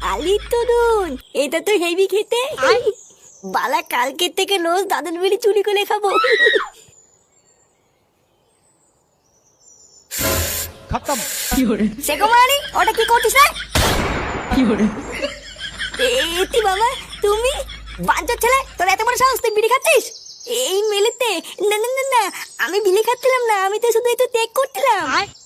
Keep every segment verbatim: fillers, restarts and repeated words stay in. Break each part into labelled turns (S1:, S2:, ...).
S1: আলির তরুণ, এটা তো হেভি খেতে। বালা কালকের থেকে রোজ দাদুর বিড়ি চুরি করে খাবো।
S2: খতম।
S1: সে কুমারী, ওটা কি করছিস রে? এতি বাবা, তুমি বাঞ্চোর ছেলে, তোর এত বড় সাহস, তুই বিড়ি খাচ্ছিস এই মেলেতে? না না না না, আমি বিড়ি খাচ্ছিলাম না, আমি তো শুধু একটু টেক করছিলাম।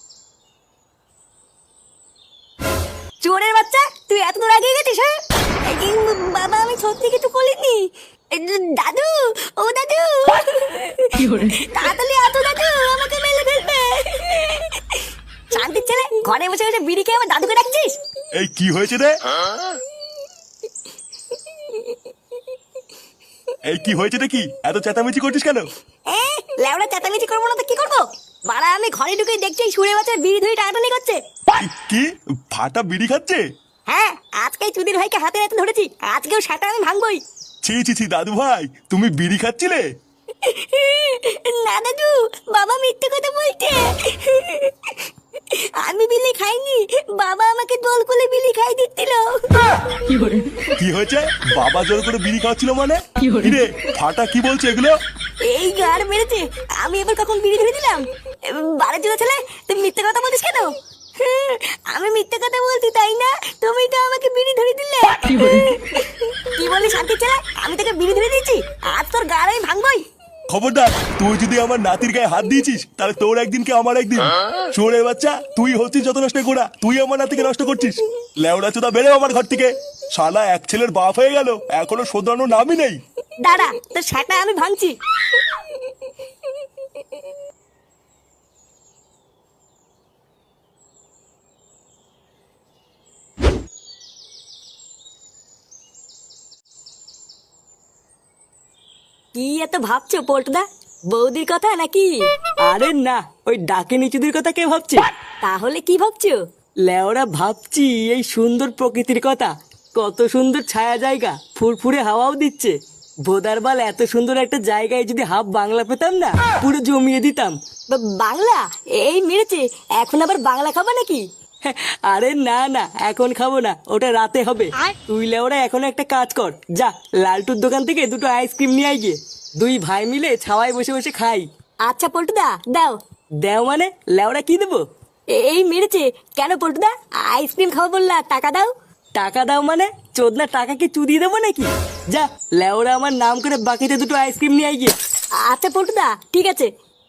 S1: চোরের বাচ্চা, তুই এত দূর আগে গেছিস? হ্যাঁ এই বাবা, আমি সত্যি কিছু বলিনি। দাদু, ও দাদু, তাড়াতাড়ি আতো দাদু, আমাকে মেলে ফেলবে। শান্তির ছেলে, ঘরে বসে বসে বিড়ি খেয়ে আমার দাদুকে ডাকছিস?
S3: এই কি হয়েছে রে? এই কি হয়েছে রে? কি এত চেঁচামেচি করছিস কেন?
S1: এ লেওড়া চেঁচামেচি করবো না তো কি করবো? বাড়া, আমি ঘরে ঢুকে দেখছি সুরে বাচ্চা বিড়ি ধরে টানাটানি করছে।
S3: কি ফাটা বিড়ি খাচ্ছে?
S1: হ্যাঁ, আজকে চুদির ভাইকে হাতে হাতে ধরেছি, আজকেও সেটা আমি ভাঙবই।
S3: ছি ছি ছি দাদু ভাই, তুমি বিড়ি খাচ্ছিলে?
S1: না দাদু, বাবা মিথ্যে কথা বলছে। আমি বিলি খাইনি, বাবা আমাকে দোল করে বিলি খাই দিচ্ছিল।
S3: কি হয়েছে? বাবা জোর করে বিড়ি খাওয়াচ্ছিল মানে? রে ফাটা কি বলছে এগুলো?
S1: এই গার মেরেছে, আমি এবার কখন বিড়ি ধরে দিলাম? বারে চলে ছেলে, তুই মিথ্যে কথা বলিস কেন? আমি মিথ্যে কথা বলছি তাই না? তুমি তো আমাকে বিড়ি ধরে দিলে। কি বলি শান্তি ছেলে, আমি তোকে বিড়ি ধরে দিয়েছি, আজ তোর গার আমি ভাঙবই।
S3: খবরদার, তুই যদি আমার নাতির গায়ে হাত দিয়েছিস তাহলে তোর একদিন কি আমার একদিন। চোরের বাচ্চা, তুই হচ্ছিস যত নষ্ট করা, তুই আমার নাতিকে নষ্ট করছিস। লেওড়া চোদা, বেরো আমার ঘর থেকে। শালা এক ছেলের বাপ হয়ে গেল, এখনো শোধরানোর নামই নেই।
S1: দাঁড়া, তোর সেটা আমি ভাঙছি। কি এত ভাবছো পল্টুদা? বৌদির কথা নাকি?
S4: আরে না, ওই ডাকে নিচুদের কথা কে ভাবছে?
S1: তাহলে কি ভাবছো?
S4: লেওরা ভাবছি এই সুন্দর প্রকৃতির কথা। কত সুন্দর ছায়া জায়গা, ফুরফুরে হাওয়াও দিচ্ছে। ভোদারবাল, এত সুন্দর একটা জায়গায় যদি হাফ বাংলা পেতাম না, পুরো জমিয়ে দিতাম।
S1: বা- বাংলা? এই মেরেছে, এখন আবার বাংলা খাবা নাকি?
S4: আরে না না, এখন খাবো না, ওটা রাতে হবে। তুই লেওরা এখন একটা কাজ কর, যা লালটুর দোকান থেকে দুটো আইসক্রিম নিয়ে আয় গিয়ে। দুই ভাই মিলে ছাওয়ায় বসে বসে খাই।
S1: আচ্ছা পল্টুদা, দাও।
S4: দেও মানে? লেওরা কি দেবো?
S1: এই মেরেছে, কেন পল্টুদা? আইসক্রিম খাবো বললা, টাকা দাও।
S4: টাকা দাও মানে? চোদনা টাকা কি চুদিয়ে দেবো নাকি? যা লেওরা আমার নাম করে বাকিতে দুটো আইসক্রিম নিয়ে আয় গিয়ে।
S1: আচ্ছা পল্টুদা, ঠিক আছে।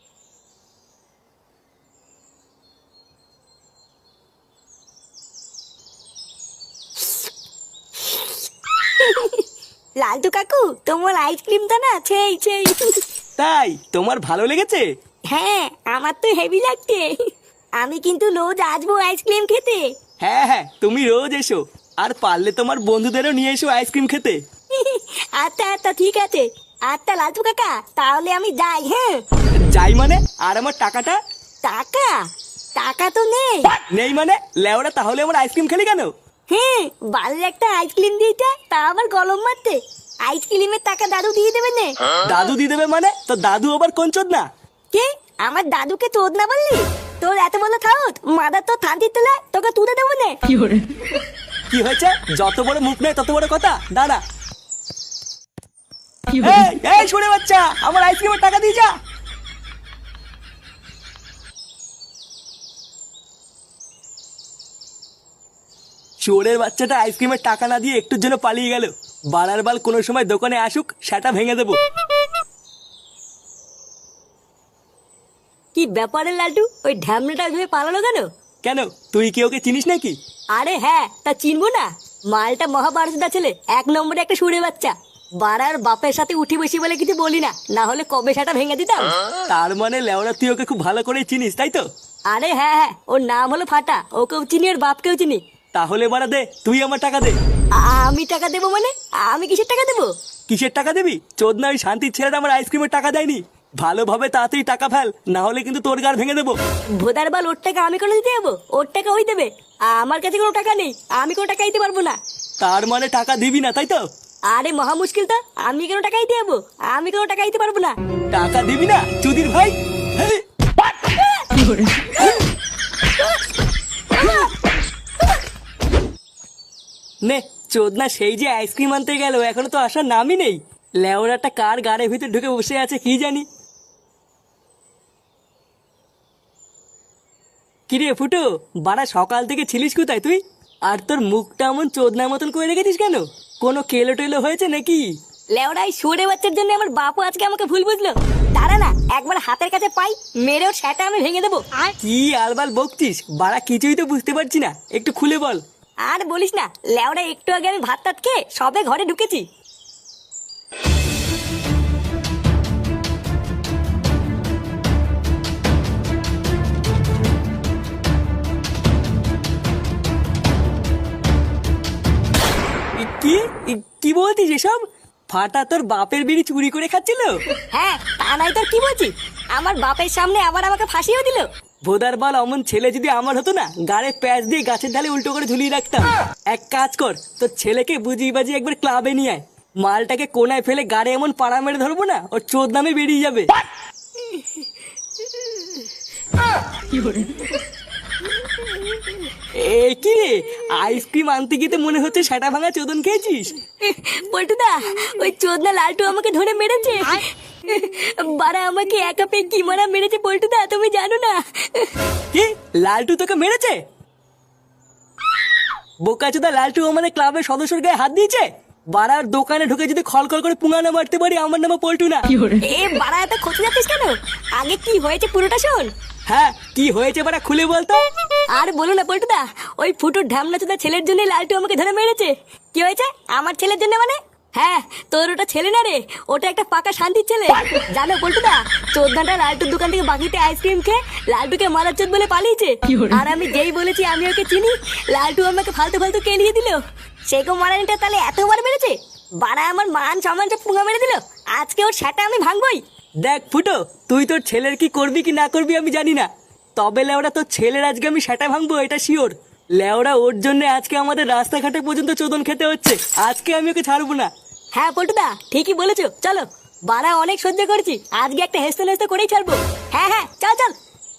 S1: লালটু কাকু, তোমার আইসক্রিমটা না সেই সেই।
S4: তাই তোমার ভালো লেগেছে?
S1: হ্যাঁ, আমার তো হেভি লাগছে। আমি কিন্তু রোজ আসবো আইসক্রিম খেতে।
S4: হ্যাঁ হ্যাঁ, তুমি রোজ এসো, আর পারলে তোমার বন্ধুদেরও নিয়ে এসো আইসক্রিম খেতে।
S1: আচ্ছা আচ্ছা, ঠিক আছে। আচ্ছা লালটু কাকা, তাহলে আমি যাই। হ্যাঁ
S4: যাই মানে? আর আমার টাকাটা?
S1: টাকা? টাকা তো নেই।
S4: নেই মানে? লেওরা তাহলে আমার আইসক্রিম খেলি কেন?
S1: হ্যাঁ, বাড়ির একটা আইসক্রিম দিতে, তা আবার গলম মারতে। আইসক্রিমের টাকা দাদু দিয়ে দেবে নে।
S4: দাদু দিয়ে দেবে মানে? তো দাদু আবার কোন চোদনা?
S1: কে? আমার দাদুকে চোদ না বললি? তোর এত বড় খাওত, মাদার তো থানতি তোলা, তোকে তুলে দেবো নে।
S4: কি হয়েছে? যত বড় মুখ নেই তত বড় কথা। দাঁড়া। এই এই শুনে বাচ্চা, আমার আইসক্রিমের টাকা দিয়ে যা। চোরের বাচ্চাটা আইসক্রিমের টাকা না দিয়ে একটুর জন্য পালিয়ে গেল। বাড়ার বাল কোনো সময় দোকানে আসুক, সেটা ভেঙে দেবো।
S1: কি ব্যাপারে লালটু, ওই ঢ্যামনাটা ভেবে পালালো কেন?
S4: কেন, তুই কি ওকে চিনিস নাকি?
S1: আরে হ্যাঁ, তা চিনবো না? মালটা মহাভারতদা ছেলে, এক নম্বরে একটা সুরে বাচ্চা। বাড়ার বাপের সাথে উঠি বসি বলে কিছু বলি না, না হলে কবে সেটা ভেঙে দিতাম।
S4: তার মানে লেওরা তুই ওকে খুব ভালো করে চিনিস, তাই তো?
S1: আরে হ্যাঁ হ্যাঁ, ওর নাম হলো ফাটা, ওকেও চিনি ওর বাপকেও চিনি।
S4: তাহলে বাড়া দে, তুই আমার টাকা দে।
S1: আ- আমি টাকা দেবো মানে? আমি কিসের টাকা দেবো?
S4: কিসের টাকা দিবি? চোদনা, ওই শান্তির ছেলেটা আমার আইসক্রিমের টাকা দেয়নি। ভালোভাবে তাড়াতাড়ি টাকা ফেল, না হলে কিন্তু তোর গার ভেঙে দেবো।
S1: ভোদার বাল, ওর টাকা আমি কোনো দিতে যাবো? ওর টাকা ওই দেবে, আমার কাছে কোনো টাকা নেই, আমি কোনো টাকা দিতে পারবো না।
S4: তার মানে টাকা দিবি না, তাই তো?
S1: আরে মহা মুশকিল তো, আমি কেন টাকা দিতে যাবো? আমি কোনো টাকা দিতে পারবো না।
S4: টাকা দিবি না চুদির ভাই? হেই! নে চোদনা সেই যে আইসক্রিম আনতে গেল এখনো তো আসার নামই নেই। লেওরাটা কার গাড়ির ভিতর ঢুকে বসে আছে কি জানি। কিরে ফুটো, বাড়া সকাল থেকে ছিলিস কোথায় তুই? আর তোর মুখটা এমন চোদনার মতন করে রেখেছিস কেন? কোনো কেলো টেলো হয়েছে নাকি?
S1: লেওড়াই সরে বাচ্চার জন্য আমার বাপু আজকে আমাকে ভুল বুঝলো। দাঁড়া না, একবার হাতের কাছে পাই, মেরেও সেটা আমি ভেঙে দেবো।
S4: কি আলবাল বকছিস? বাড়া কিছুই তো বুঝতে পারছি না, একটু খুলে বল।
S1: আর বলিস না, লেওড়া একটু আগে আমি ভাত টাত খেয়ে সবে ঘরে ঢুকেছি।
S4: কি কি বলছিস এসব? ফাটা তোর বাপের বিড়ি চুরি করে খাচ্ছিল?
S1: হ্যাঁ, তা নাই তোর কি বলছি? আমার বাপের সামনে আবার আমাকে ফাঁসিও দিল।
S4: ভোদার বল, অমন ছেলে যদি আমার হতো না, গাড়ে প্যাচ দিয়ে গাছের ঢালে উল্টো করে ঝুলিয়ে রাখতাম। এক কাজ কর, তোর ছেলেকে বুঝিয়ে বাজিয়ে একবার ক্লাবে নিয়ে আয়। মালটাকে কোনায় ফেলে গাড়ে এমন পাড়া মেরে ধরবো না, ওর চোদ নামে বেরিয়ে যাবে। এ কি রে, আইসক্রিম আনতে গিয়ে তো মনে হচ্ছে সেটা ভাঙা চোদন খেয়েছিস।
S1: পল্টুদা, ওই চোদনা লালটু আমাকে ধরে মেরেছে। বারা আমাকে একা পেয়ে কি মারা মেরেছে পল্টুদা, তুমি জানো না?
S4: কি, লালটু তোকে মেরেছে? বোকাচোদা, লালটু আমাদের ক্লাবের সদস্যর গায়ে হাত দিয়েছে? বাড়ার দোকানে ঢুকে যদি খলখল করে পুঙ্গানো মারতে পারি, আমার নামে পল্টু না।
S1: এ বারা, এত খোঁজ যাচ্ছিস কেন? আগে কি হয়েছে পুরোটা শোন।
S4: হ্যাঁ, কি হয়েছে বাড়া খুলে বলতো।
S1: আর বলো না পল্টুদা, ওই ফুটুর ঢামনা চোদা ছেলের জন্য লালটু আমাকে ধরে মেরেছে। কি হয়েছে আমার ছেলের জন্য মানে? হ্যাঁ, তোর ওটা ছেলে না রে, ওটা একটা পাকা শান্তির ছেলে। জানো পল্টুদা, চোদ্দাটা লালটুর দোকান থেকে বাকিতে আইসক্রিম খেয়ে লালটুকে মারার চোদ বলে পালিয়েছে। আর আমি যেই বলেছি আমি ওকে চিনি, লালটু আমাকে ফালতু ফালতু কেলিয়ে দিল। সেগো মারানিটা তাহলে এতবার মেরেছে? বাড়া আমার মান সম্মান সব পুঙ্গা মেরে দিল। আজকে ওর সেটা আমি ভাঙবই।
S4: দেখ ফুটো, তুই তোর ছেলের কি করবি কি না করবি আমি জানি না, তবে লেওরা তোর ছেলের আজকে আমি সেটা ভাঙবো, এটা শিওর। লেওরা ওর জন্য আজকে আমাদের রাস্তাঘাটে পর্যন্ত চোদন খেতে হচ্ছে। আজকে আমি ওকে ছাড়বো না।
S1: হ্যাঁ পল্টুদা, ঠিকই বলেছো, চলো। বাড়া অনেক সহ্য করেছি, আজকে একটা হেসতে হেসতে করেই ছাড়বো। হ্যাঁ হ্যাঁ, চল চল।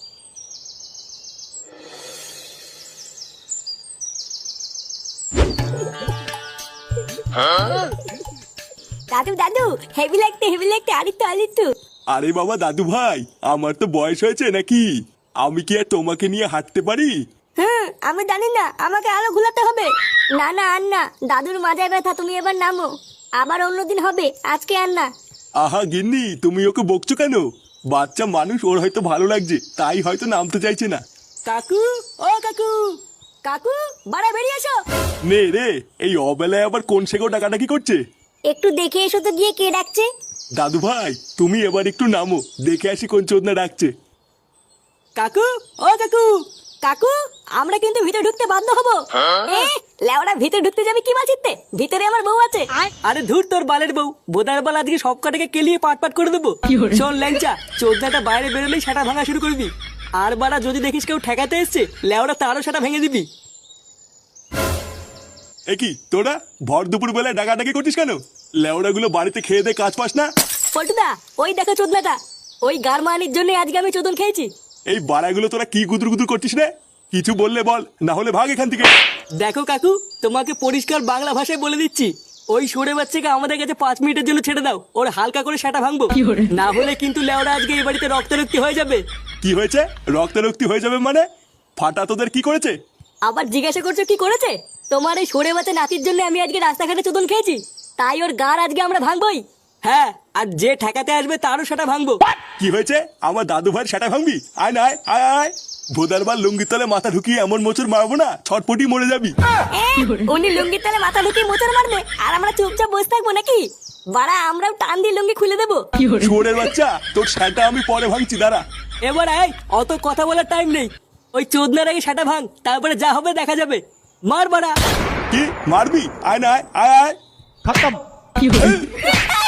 S1: দাদু দাদু, হেভি লাগতে হেভি লাগতে, আরিত্তু আরিত্তু।
S3: আরে বাবা দাদু ভাই, আমার তো বয়স হয়েছে নাকি? আমি কি আর তোমাকে নিয়ে হাঁটতে পারি?
S1: হুম, আমি জানি না, আমাকে আরো ঘুলাতে হবে। না না আর না, দাদুর মাজায় ব্যথা, তুমি এবার নামো। আবার অন্যদিন হবে, আজকে আর না।
S3: আহা গিন্নি, তুমি ওকে বকছো কেন? বাচ্চা মানুষ, ওর হয়তো ভালো লাগছে, তাই হয়তো নামতে চাইছে না।
S4: কাকু, ও কাকু।
S1: কাকু, বাড়া বেরিয়ে এসো।
S3: নে রে, এই অবেলায় আবার কোন সেগো ডাকাডাকি করছে?
S1: একটু দেখে এসো তো গিয়ে কে ডাকছে।
S3: দাদু ভাই, তুমি এবার একটু নামো, দেখে আসি কোন চোদনা ডাকছে।
S4: কাকু, ও কাকু।
S1: কাকু, আমরা কিন্তু ভিতরে ঢুকতে বাধ্য হবো। এ লেওড়া, ভিতরে ঢুকতে যাবে কি মাছিতে? ভিতরে আমার বউ আছে।
S4: আরে ধুর তোর বালের বউ, বোদার বাল আজকে সব কটাকে কেলিয়ে পাট পাট করে দেবো। শোন ল্যাংচা, চোদ্দাটা বাইরে বেরোলেই সেটা ভাঙা শুরু করবি। আর বাড়া যদি দেখিস কেউ ঠেকাতে এসছে, লেওড়া তারও সেটা ভেঙে দিবি।
S3: এ কি তোরা ভর দুপুর বেলায় ডাকাডাকি করছিস কেন? লেওড়া গুলো বাড়িতে খেয়ে দে কাজ পাস না?
S1: পল্টুদা, ওই দেখো চোদনাটা, ওই গারমানির জন্য আজকে আমি চোদন খেয়েছি।
S3: এই বাড়াগুলো তোরা কি গুদুর গুদুর করছিস রে? কিছু বললে বল, না হলে ভাগ এখান থেকে।
S4: দেখো কাকু, তোমাকে পরিষ্কার বাংলা ভাষায় বলে দিচ্ছি, ওই সরে বাচ্চাকে আমাদের কাছে পাঁচ মিনিটের জন্য ছেড়ে দাও, ওর হালকা করে সেটা ভাঙবো। না হলে কিন্তু লেওড়া আজকে এই বাড়িতে রক্তারক্তি হয়ে যাবে।
S3: কি হয়েছে? রক্তারক্তি হয়ে যাবে মানে? ফাটা তোদের কি করেছে?
S1: আবার জিজ্ঞাসা করছো কি করেছে? তোমার এই সরে বাচ্চা নাতির জন্য আমি আজকে রাস্তাঘাটে চোদন খেয়েছি, তাই ওর গার আজকে আমরা ভাঙবই।
S4: হ্যাঁ, আর যে ঠেকাতে আসবে তারও সেটা ভাঙবো।
S3: কি হয়েছে? আমার দাদু ভাইয়ের সেটা ভাঙবি? আয় না আয় আয় আয়। ভোদারবার লুঙ্গির তলে মাথা ঢুকিয়ে এমন মোচড় মারবো না, ছটপটি মরে যাবি।
S1: এ, উনি লুঙ্গির তলে মাথা ঢুকিয়ে মোচড় মারবে, আর আমরা চুপচাপ বসে থাকবো নাকি? বাড়া, আমরাও টান দিয়ে লুঙ্গি খুলে দেবো।
S3: শুয়োরের বাচ্চা, তোর সেটা আমি পরে ভাঙছি, দাঁড়া।
S4: এবার আয়, অত কথা বলার টাইম নেই। ওই চোদনার আগে সেটা ভাঙ, তারপরে যা হবে দেখা যাবে। মার বাড়া।
S3: কি মারবি? আয় না আয় আয় আয়।
S2: खत्म।